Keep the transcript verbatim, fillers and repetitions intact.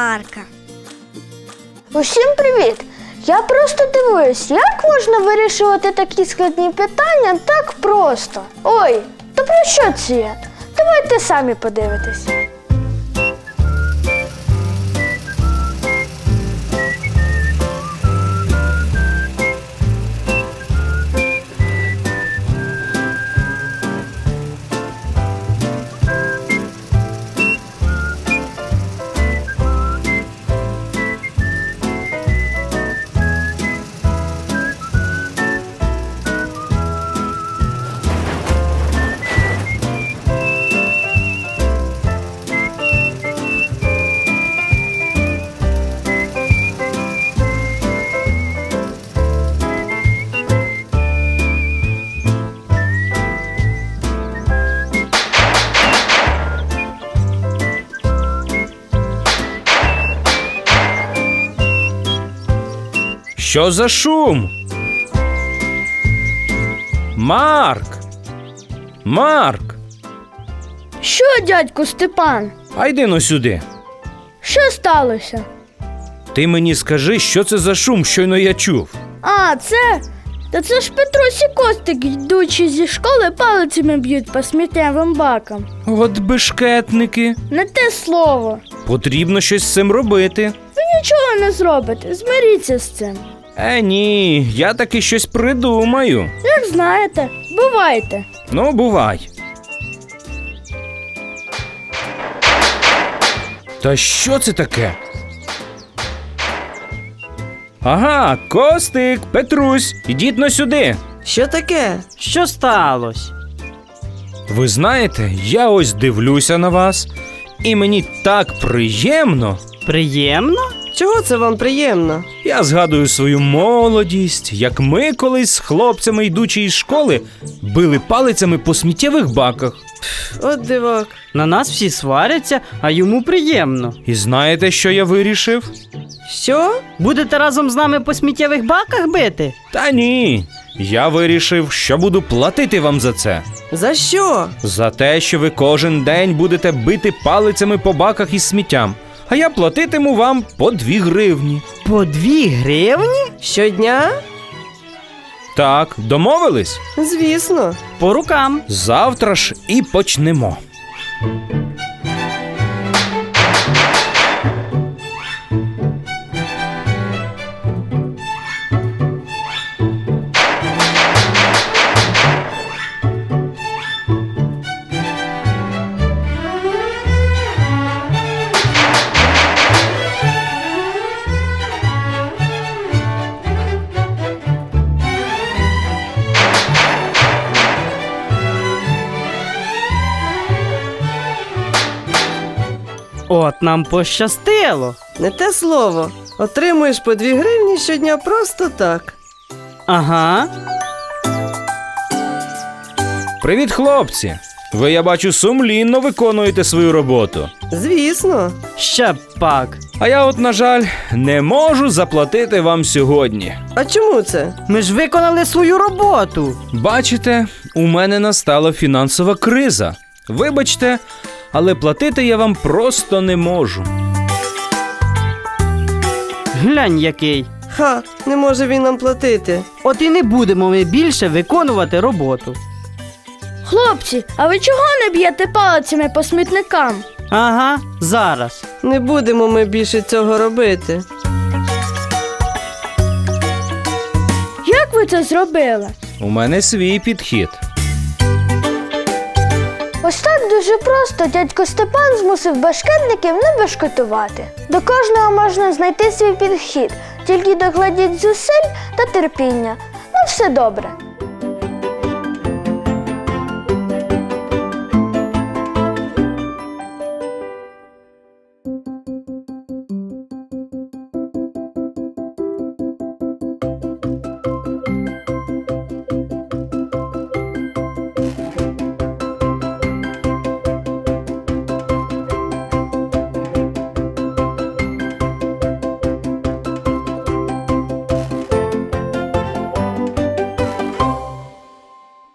Марка. Усім привіт! Я просто дивуюсь, як можна вирішувати такі складні питання так просто. Ой, то про що це я? Давайте самі подивитесь. Що за шум? Марк! Марк! Що, дядьку Степан? А йди но сюди. Що сталося? Ти мені скажи, що це за шум, щойно я чув. А, це? Та це ж Петрусь і Костик, йдучи зі школи, палицями б'ють по сміттєвим бакам. От бешкетники. Не те слово. Потрібно щось з цим робити. Ви нічого не зробите, змиріться з цим. Е, ні, я таки щось придумаю. Як знаєте, бувайте. Ну, бувай. Та що це таке? Ага, Костик, Петрусь, ідіть но сюди. Що таке? Що сталося? Ви знаєте, я ось дивлюся на вас, і мені так приємно. Приємно? Чого це вам приємно? Я згадую свою молодість, як ми колись з хлопцями, йдучи із школи, били палицями по сміттєвих баках. От дивак. На нас всі сваряться, а йому приємно. І знаєте, що я вирішив? Що? Будете разом з нами по сміттєвих баках бити? Та ні, я вирішив, що буду платити вам за це. За що? За те, що ви кожен день будете бити палицями по баках із сміттям. А я платитиму вам по дві гривні. По дві гривні? Щодня? Так, домовились? Звісно. По рукам. Завтра ж і почнемо. От нам пощастило. Не те слово. Отримуєш по дві гривні щодня просто так. Ага. Привіт, хлопці! Ви, я бачу, сумлінно виконуєте свою роботу. Звісно. Ще пак. А я от, на жаль, не можу заплатити вам сьогодні. А чому це? Ми ж виконали свою роботу. Бачите, у мене настала фінансова криза. Вибачте, але платити я вам просто не можу. Глянь який. Ха, не може він нам платити. От і не будемо ми більше виконувати роботу. Хлопці, а ви чого не б'єте палицями по смітникам? Ага, зараз. Не будемо ми більше цього робити. Як ви це зробили? У мене свій підхід. Ось так дуже просто дядько Степан змусив башкетників не бешкетувати. До кожного можна знайти свій підхід, тільки докладіть зусиль та терпіння. Ну все добре.